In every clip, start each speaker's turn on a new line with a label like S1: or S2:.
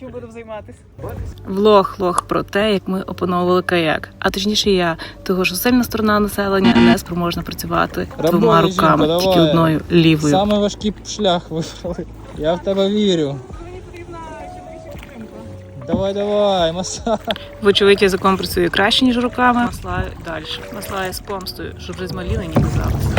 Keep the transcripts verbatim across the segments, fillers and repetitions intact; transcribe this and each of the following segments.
S1: Чим будемо займатися?
S2: Влог-лог про те, як ми опановували каяк. А точніше я, того що сильна сторона населення не спроможна працювати двома
S3: Рабоня
S2: руками,
S3: жінка,
S2: тільки
S3: давай.
S2: одною лівою.
S3: Самий важкий шлях вибрали. Я в тебе вірю.
S1: Мені потрібна чоловіча підтримка.
S3: Давай, давай, масаж.
S2: Вочевидь, язиком працює краще, ніж руками. Маслаю далі. Маслаю з помстою, щоб вже змаліли, ні казалося.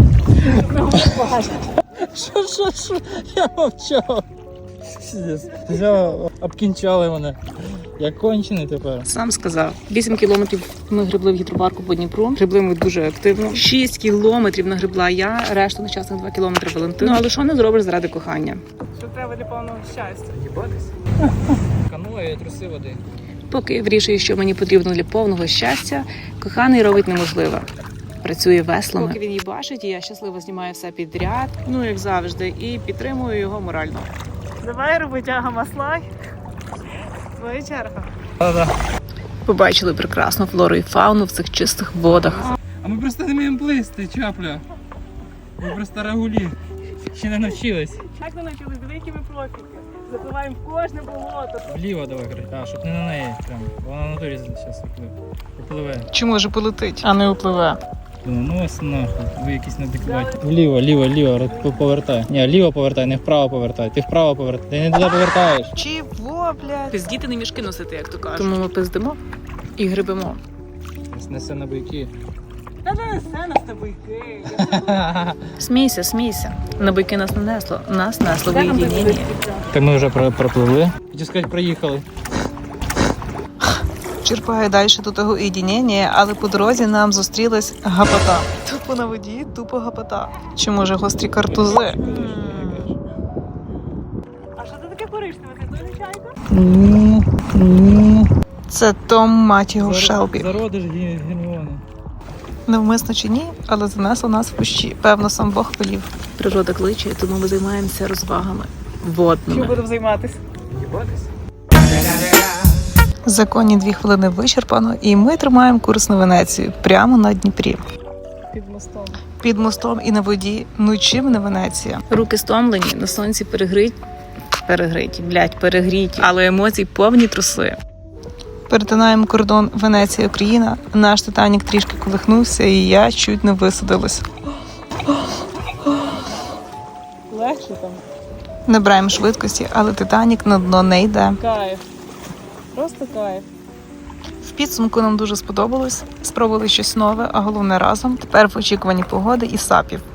S3: Що, що, що? Я мовчав. Все, обкінчали мене. Я кончений тепер.
S2: Сам сказав. Вісім кілометрів ми гребли в гідропарку по Дніпру. Гребли ми дуже активно. Шість кілометрів нагребла я, решту нещасних два кілометри Валентина. Ну, але що не зробиш заради кохання?
S1: Що треба для повного щастя?
S3: Їбатись? Каноє і труси води.
S2: Поки я вирішую, що мені потрібно для повного щастя, коханий робить неможливе. Працює веслами. Поки він її бачить, і я щасливо знімаю все підряд, ну як завжди, і підтримую його морально.
S1: Давай роботяга маслай. Твоя черга.
S3: Да-да.
S2: Побачили прекрасну флору і фауну в цих чистих водах.
S3: А ми просто не вміємо плисти, чапля. Ми просто рагулі. Ще не навчились.
S1: Як ми навчились? Диви, які ми профіки. Запливаємо в кожне болото.
S3: Вліво давай, коротше. А, щоб не на неї прям. Вона на натурі зараз попливе.
S2: Чи може полетить, а не впливе?
S3: Думаю, ну ось нахуй, ви якісь неадекватні. Вліво, ліво, ліво, повертай. Ні, ліво повертай, не вправо повертай. Ти вправо повертай, ти не туди повертаєш.
S2: Чого, блядь? Пиздіти не мішки носити, як то кажуть. Тому ми пиздимо і гребемо.
S3: Несе на бойки.
S1: Та не несе нас табуйки.
S2: Смійся, смійся. На бойки нас не несло, нас несло в уєдинінні.
S3: Так ми вже пропливли. Хочу сказати, проїхали.
S2: Черпаю далі до того уєдиніння, але по дорозі нам зустрілась гапота. Тупо на воді, тупо гапота. Чи може гострі картузи?
S1: А що це таке коричневе? Це теж чайка?
S2: Це Том, мать його, Шелбі.
S3: Зародиш Герміони.
S2: Невмисно чи ні, але занесло нас в кущі. Певно, сам Бог велів. Природа кличе, тому ми займаємося розвагами
S1: Чим
S2: водними.
S1: будемо займатися?
S3: Їбатись?
S2: Законні дві хвилини вичерпано, і ми тримаємо курс на Венецію, прямо на Дніпрі.
S1: Під мостом.
S2: Під мостом і на воді, ну чим не Венеція? Руки стомлені, на сонці перегриті, перегриті, блядь, перегріті, але емоцій повні труси. Перетинаємо кордон Венеція-Україна, наш Титанік трішки колихнувся, і я чуть не висадилась.
S1: Легше там.
S2: Набираємо швидкості, але Титанік на дно не йде.
S1: Кайф. Просто кайф.
S2: В підсумку нам дуже сподобалось, спробували щось нове, а головне разом. Тепер в очікуванні погоди і сапів.